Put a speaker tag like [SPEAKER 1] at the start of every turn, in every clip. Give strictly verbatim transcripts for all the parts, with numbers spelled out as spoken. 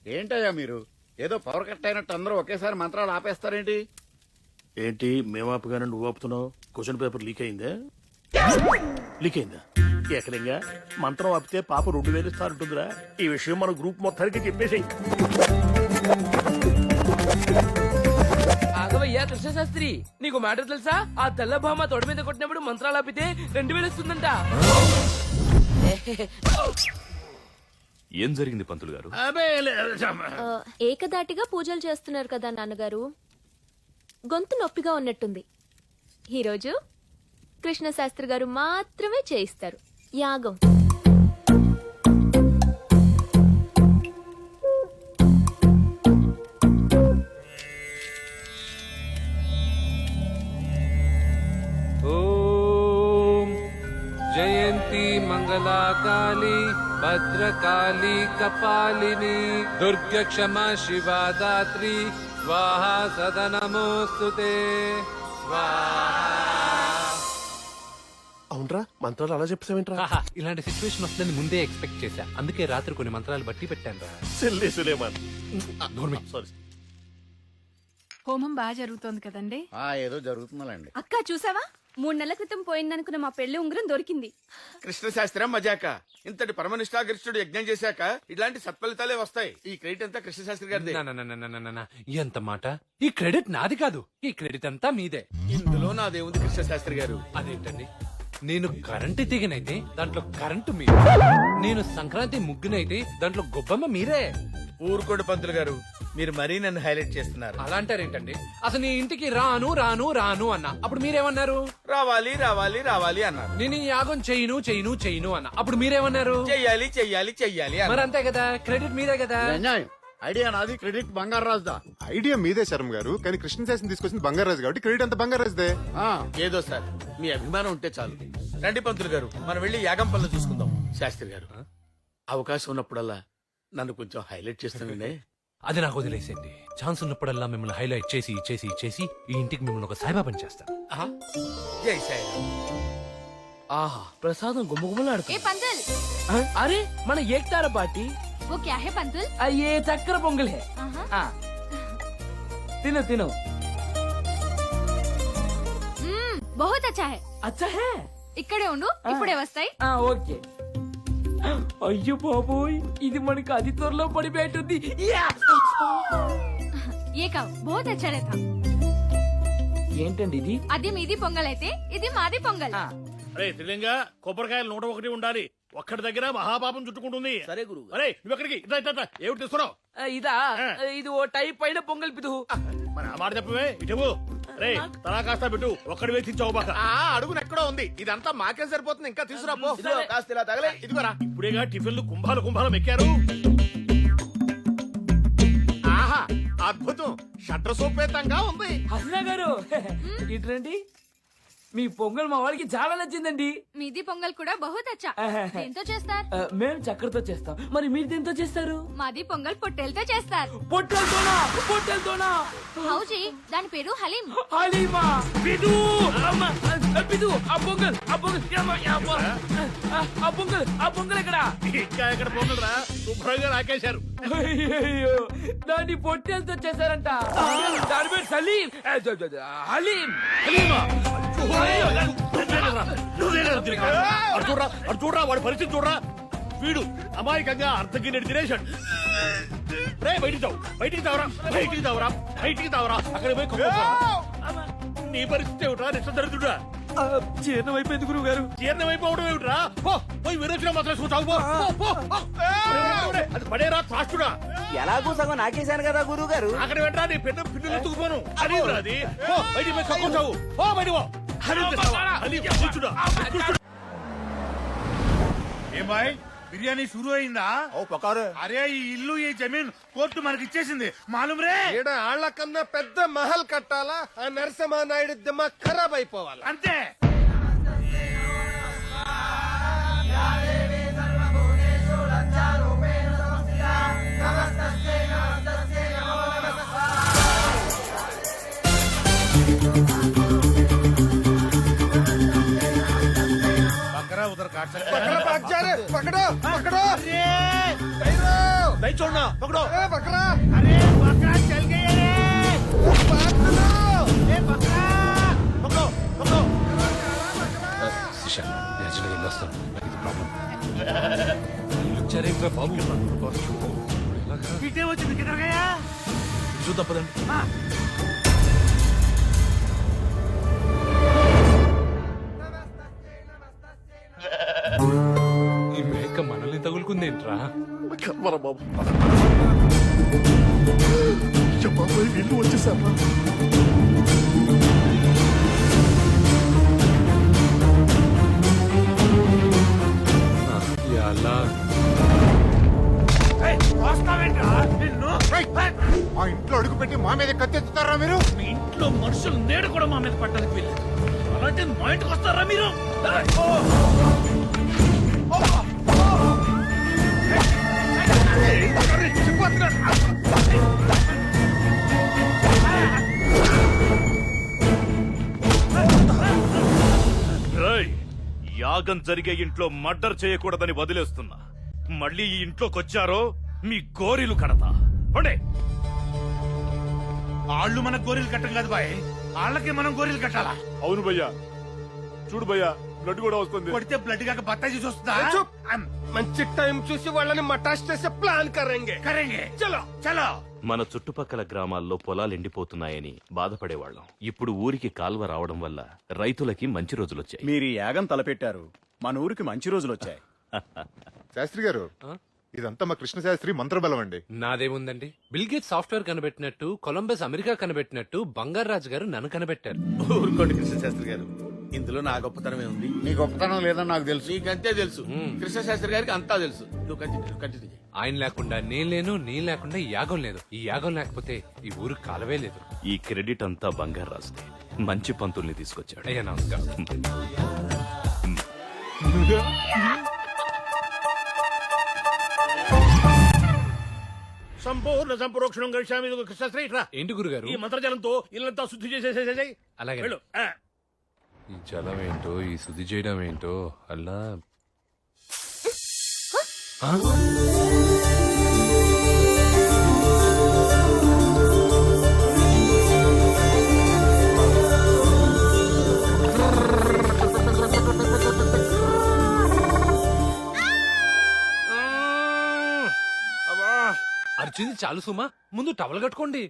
[SPEAKER 1] ఏంటయ్యా మీరు ఏదో పవర్ కట్ అయినట్టు అందరూ ఒకేసారి మంత్రాలు ఆపేస్తారేంటి?
[SPEAKER 2] ఏంటి మేము ఆపగానే నువ్వు ఆపుతున్నావు? క్వశ్చన్ పేపర్ లీక్ అయిందా? లీక్ అయిందా? ఎక్కడంగా మంత్రం ఆపితే పాప రెండు వేలు ఇస్తారంటుందిరా. ఈ విషయం మన గ్రూప్ మొత్తానికి చెప్పేసి.
[SPEAKER 3] ఆగవయ్యా కృష్ణశాస్త్రి, నీకు మ్యాటర్ తెలుసా? ఆ తెల్ల భామ తొడ మీద కొట్టినప్పుడు మంత్రాలు ఆపితే రెండు వేలు ఇస్తుందంట.
[SPEAKER 4] ఏం జరిగింది పంతులు గారు?
[SPEAKER 5] ఏకదాటిగా పూజలు చేస్తున్నారు కదా నాన్నగారు, గొంతు నొప్పిగా ఉన్నట్టుంది. ఈరోజు కృష్ణశాస్త్రి గారు మాత్రమే చేయిస్తారు యాగం.
[SPEAKER 6] ఓం జయంతి మంగళాకాళి భద్రకాళి కపాలిని దుర్గ క్షమా శివా దాత్రి స్వాహా సదనమోస్తుతే స్వాహా.
[SPEAKER 2] అవునరా, మంత్రాలు అలా చెప్తావేంట్రా?
[SPEAKER 6] ఇలాంటి సిచ్యువేషన్ వస్తుందని ముందే ఎక్స్పెక్ట్ చేశా, అందుకే రాత్రి కొన్ని మంత్రాలు బట్టి పెట్టాను రా.
[SPEAKER 2] సెల్లే సులేమాన్. సారీ.
[SPEAKER 7] హోమం బాగా జరుగుతోంది కదండి?
[SPEAKER 1] ఆ ఏదో జరుగుతుందండి.
[SPEAKER 7] అక్క చూసావా, మూడు నెలల క్రితం పోయిందనుకున్న మా పెళ్లి ఉంగరం దొరికింది.
[SPEAKER 1] కృష్ణశాస్త్రం మజాక. ఇంతటి పరమనిష్టాగరిష్ఠుడు యజ్ఞం చేశాక ఇలాంటి సత్ఫలితాలే వస్తాయి. ఈ క్రెడిట్ అంతా కృష్ణశాస్త్రి గారిదే.
[SPEAKER 6] నా, నా, నా, నా, నా, నా, నా. ఎంత మాట! ఈ క్రెడిట్ నాది కాదు, ఈ క్రెడిట్ అంతా మీదే.
[SPEAKER 1] ఇందులో నాదేముంది కృష్ణశాస్త్రి గారు?
[SPEAKER 6] అదేంటండి, నేను కరెంటు తీగనైతే దాంట్లో కరెంటు మీరే, నేను సంక్రాంతి ముగ్గునైతే దాంట్లో గొబ్బమ్మ మీరే.
[SPEAKER 1] ఊరుకోడు పంతులు గారు, మీరు మరీ నన్ను హైలైట్ చేస్తున్నారు.
[SPEAKER 6] అలా అంటారేంటండి? అసలు నీ ఇంటికి రాను రాను రాను అన్నా, అప్పుడు మీరేమన్నారు?
[SPEAKER 1] రావాలి రావాలి రావాలి అన్నారు.
[SPEAKER 6] నేను ఈ యాగం చెయ్యను చెయ్యను చెయ్యను అన్నా, అప్పుడు మీరేమన్నారు?
[SPEAKER 1] చెయ్యాలి చెయ్యాలి చెయ్యాలి అన్నారు.
[SPEAKER 6] మరి అంతే కదా, క్రెడిట్ మీదే కదా.
[SPEAKER 1] అన్యాయం. ఐడియా నాది, క్రెడిట్ బంగారాజుదా.
[SPEAKER 8] ఐడియా మీదే శర్మ గారు, కానీ కృష్ణశాస్త్రి తీసుకొచ్చింది బంగారాజు కాబట్టి క్రెడిట్ అంతా బంగారాజుదే.
[SPEAKER 1] ఆ, ఏదో సార్ మీ అభిమానం ఉంటే చాలు. రండి పంతులు గారు, మనం వెళ్ళి యాగం పనులు చూసుకుందాం. శాస్త్రి గారు, అవకాశం ఉన్నప్పుడల్లా నన్ను కొంచెం హైలైట్ చేస్తానండి.
[SPEAKER 6] అది నాకు వదిలేసేయండి. ఛాన్స్ ఉన్నప్పుడల్లా మిమ్మల్ని హైలైట్ చేసి చేసి చేసి ఈ ఇంటికి మిమ్మల్ని ఒక సాయిబాబాని చేస్తాను.
[SPEAKER 1] ఆహా, జై సాయిరామ్.
[SPEAKER 3] ఆహా, ప్రసాదం గుమ్మగుమ్మలాడుతుంది.
[SPEAKER 7] ఏ పంతుల్,
[SPEAKER 3] అరే మన ఏక్తార పార్టీ.
[SPEAKER 7] वो क्या है पंतुल?
[SPEAKER 3] అయ్యే చక్కెర పొంగల్ హే. ఆ, తిను తిను.
[SPEAKER 7] మ్మ్, बहुत अच्छा है.
[SPEAKER 3] అచ్చా హే.
[SPEAKER 7] ఇక్కడే ఉండు, ఇప్పుడే వస్తాయి.
[SPEAKER 3] ఆ, ఓకే. అయ్యో బాబోయ్, ఇది మనకి అతి త్వరలో పడిపోయేటుంది. యా!
[SPEAKER 7] ये का बहुत अच्छा रहता.
[SPEAKER 3] ఏంటండి ఇది?
[SPEAKER 7] అది మీది పొంగల్ అయితే ఇది మాది పొంగల్.
[SPEAKER 3] ఆ,
[SPEAKER 2] అరే త్రిలింగా, కొబ్బరికాయలు నూట ఒకటి ఉండాలి. ఒక్కడి దగ్గర మహాపాపం చుట్టుకుంటుంది.
[SPEAKER 3] సరే గురువు.
[SPEAKER 2] అరే నువ్వు ఎక్కడికి? ఇట్లా ఇట్లా ఇట్లా. ఏమిటి తీసుకున్నావు?
[SPEAKER 3] ఆ, ఇదా? ఇది ఓ టైప్ పైన పొంగల్ పిదువు.
[SPEAKER 2] మరి ఆ మాట చెప్పవే. ఇటు రే, తలా కాస్త పెట్టు. ఒక్కడి వేసించావు బాక.
[SPEAKER 1] అడుగున ఎక్కడో ఉంది, ఇదంతా మాకే సరిపోతుంది. ఇంకా తీసుకురాపో. కాస్త ఇలా తగలే. ఇదిగోరా.
[SPEAKER 2] ఇప్పుడేగా టిఫిన్లు కుంభాలు కుంభాలు ఎక్కారు.
[SPEAKER 1] ఆహా, అద్భుతం. షట్ర సోపేతంగా ఉంది.
[SPEAKER 3] హసనా గారు ఇట్రండి. మీ పొంగల్ మా వాడికి చాలా నచ్చిందండి.
[SPEAKER 7] మీది పొంగల్ కూడా बहुत अच्छा. దేంతో చేస్తారు?
[SPEAKER 3] ఆ, మేము చక్కెరతో చేస్తాం. మరి మీరు దేంతో చేస్తారు?
[SPEAKER 7] మాది పొంగల్ పొట్టేలతో చేస్తారు.
[SPEAKER 3] పొట్టెలతోనా? పొట్టెలతోనా?
[SPEAKER 7] హౌజీ, దాని పేరు హలీం.
[SPEAKER 3] హలీమా? పిదు! అమ్మ, ఆ, పిదు, ఆ పొంగల్, ఆ పొంగల్, యమ్మ, యమ్మ. ఆ, ఆ పొంగల్, ఆ పొంగల్ ఎక్కడ?
[SPEAKER 2] ఇంకా ఎక్కడ పోగలరా? శుభ్రంగా రాకేశారు.
[SPEAKER 3] అయ్యయ్యో, దాన్ని పొట్టెలతో చేశారంట. దాని పేరు సలీం. ఆ, జ, జ, జ, హలీం.
[SPEAKER 2] హలీమా? చూడరా అటు చూడరా, వాడి పరిస్థితి చూడరా. వీడు అమాయకంగా అర్థగిన్నెడు తినేశాడు. రే బయటికి తావు, బయటికి తావరా, బయటికి తావరా, బయటికి తావరా. అక్కడ పోయి కొబ్బరి. నీ పరిస్థితి ఏమిట్రా? నిష్ట దరిద్రుడా.
[SPEAKER 3] జీర్ణం అయిపోయింది గురువు గారు.
[SPEAKER 2] జీర్ణం అయిపోవడం ఏమిట్రా? పో, పోయి విరోచన మాత్రం చూసావు. పో, పో, పో. అది పడేరా త్రాష్టుడా.
[SPEAKER 3] ఎలాగూ సగం నాకేశాను కదా గురువు గారు.
[SPEAKER 2] అక్కడ వెంటరా నీ పెద్ద పిన్నులు ఎత్తుకుపోను. అది అది పో, బయటికి పోయి కక్కుంటావు. పో బయటికి పో.
[SPEAKER 9] ఏ బాయ్, బిర్యానీ షురూ అయిందా? అరే ఈ ఇల్లు ఈ జమీన్ కోర్టు మనకి ఇచ్చేసింది మాలూమ్ రే.
[SPEAKER 1] ఆళ్ల కన్నా పెద్ద మహల్ కట్టాలా? ఆ నరసింహ నాయుడు దిమ్మ ఖరాబ్ అయిపోవాలి
[SPEAKER 9] అంతే.
[SPEAKER 1] ఉదర్ కాట్ పకడో పకడో పకడో नहीं छोड़ना पकड़ो
[SPEAKER 9] अरे बकरा चल गया रे ए बकरा
[SPEAKER 1] पकड़ो पकड़ो
[SPEAKER 6] శిష నేచురల్గా వెళ్ళొస్తాను నాకు ఇది ప్రాబ్లం వచ్చారేంట్రా బాబు ఎలాగా?
[SPEAKER 9] पीटे वो जिंदगी किधर गया
[SPEAKER 1] చూద్దాం పదండి
[SPEAKER 6] ఈ మేక మనల్ని తగులుకుందేంట్రా ఆ, ఎలా
[SPEAKER 9] వస్తావేంట్రా నిన్ను
[SPEAKER 8] మా ఇంట్లో అడుగు పెట్టి మా మీద కత్తెత్తుతారా మీరు
[SPEAKER 1] మీ ఇంట్లో మనుషులు నేడు కూడా మా మీద పట్టడానికి వెళ్ళలేదు అలాంటి మా ఇంటికి వస్తారా మీరు ఏయ్! ఓ! ఓ! ఓ! ఏయ్! అరే, చిక్కుతున్నాడు.
[SPEAKER 4] రేయ్, యాగం జరిగే ఇంట్లో మర్డర్ చేయకూడదని వదిలేస్తున్నా మళ్ళీ ఈ ఇంట్లోకొచ్చారో మీ గోరీలు కడతా పండే
[SPEAKER 9] వాళ్ళు మన గోరీలు కట్టం కాదు బాయ్ వాళ్ళకి మనం గోరీలు కట్టాలా
[SPEAKER 2] అవును భయ్యా చూడు భయ్యా బ్లడ్ కూడా వస్తుంది
[SPEAKER 9] కొడితే బ్లడ్ కాక బత్తాయి చూసి వస్తుందా అమ్,
[SPEAKER 2] మంచి టైం చూసి వాళ్ళని మటాష్ చేసే ప్లాన్ కరెంగే
[SPEAKER 9] కరేంగే చలో చలో
[SPEAKER 4] మన చుట్టుపక్కల గ్రామాల్లో పొలాలు ఎండిపోతున్నాయని బాధపడేవాళ్ళం ఇప్పుడు ఊరికి కాల్వ రావడం వల్ల రైతులకి మంచి రోజులొచ్చాయి
[SPEAKER 10] మీరు ఈ యాగం తలపెట్టారు మన ఊరికి మంచి రోజులు వచ్చాయి
[SPEAKER 8] శాస్త్రి గారు ఇదంతా మా కృష్ణ శాస్త్రి మంత్రబలం అండి
[SPEAKER 6] నాదేముందండి బిల్ గేట్ సాఫ్ట్వేర్ కనిపెట్టినట్టు కొలంబస్ అమెరికా కనిపెట్టినట్టు బంగారాజు గారు నన్ను కనిపెట్టారు
[SPEAKER 1] ఊరుకోండి కృష్ణ శాస్త్రి గారు ఇందులో నా గొప్పతనమే ఉంది
[SPEAKER 10] నీ గొప్పతనం లేదని నాకు తెలుసు
[SPEAKER 1] నీకంతే తెలుసు కృష్ణ శాస్త్రి గారికి అంతా తెలుసు నువ్వు కంటిన్యూ కంటిన్యూ చేయి
[SPEAKER 6] ఆయన లేకుండా నేను లేను నీ లేకుండా ఈ యాగం లేదు ఈ యాగం లేకపోతే ఈ ఊరు కాలవే లేదు
[SPEAKER 4] ఈ క్రెడిట్ అంతా బంగారు రాస్తే మంచి పంతుల్ని తీసుకొచ్చాడు
[SPEAKER 6] అయ్యా నమస్కారం
[SPEAKER 2] సంపూర్ణ సంప్రోక్షణం గడిచామి కృష్ణశ్రీ రా
[SPEAKER 6] ఏంటి గురుగారు
[SPEAKER 2] ఈ మంత్రజలంతో ఇల్లంతా శుద్ధి చేసేసేసేయ్
[SPEAKER 6] అలాగే
[SPEAKER 2] వెళ్ళు ఆ.
[SPEAKER 6] ఈ జలం ఏంటో ఈ శుద్ధి చేయడం ఏంటో అలా ఆ? అర్చింది చాలు సుమా ముందు టవల్ కట్టుకోండి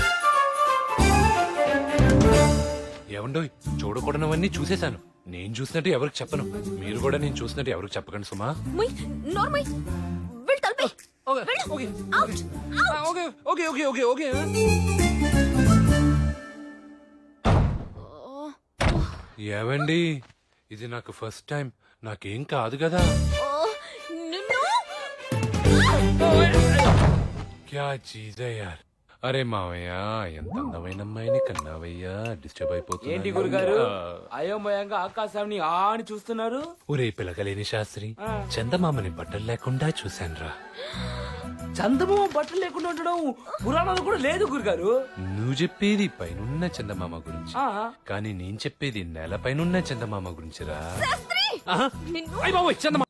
[SPEAKER 6] ఏమండోయ్ చూడకూడనవన్నీ చూసేశాను నేను చూసినట్టు ఎవరికి చెప్పను మీరు కూడా నేను చూసినట్టు ఎవరికి చెప్పకండి సుమా
[SPEAKER 5] ముయ్ నోర్మయ్ వెళ్ళు తలపై
[SPEAKER 6] ఓకే
[SPEAKER 5] వెళ్ళు
[SPEAKER 6] ఓకే
[SPEAKER 5] అవుట్
[SPEAKER 6] ఆ, okay okay okay okay okay ఏవండి ఇది నాకు ఫస్ట్ టైం నాకేం కాదు కదా
[SPEAKER 5] నిన్ను
[SPEAKER 6] క్యా చీజ్ హై యార్ అరే మావయ్య ఎంత అందమైన అమ్మాయిని కన్నావయ్యా డిస్టర్బ్ అయిపోతుంది
[SPEAKER 3] ఏంటి గురుగారు అయోమయంగా ఆకాశాన్ని ఆ అని చూస్తున్నారు
[SPEAKER 6] ఒరే పిలకలేని శాస్త్రి చందమామని బట్టలు లేకుండా చూశానురా
[SPEAKER 3] చందమామ బట్టలు లేకుండా ఉండడం పురాణాలు కూడా లేదు గురుగారు
[SPEAKER 6] నువ్వు చెప్పేది పైనున్న చందమామ గురించి
[SPEAKER 3] ఆ.
[SPEAKER 6] కానీ నేను చెప్పేది నేల పైనున్న చందమామ గురించిరా
[SPEAKER 5] నిన్ను
[SPEAKER 6] అయ్య బాబోయ్ చందమామ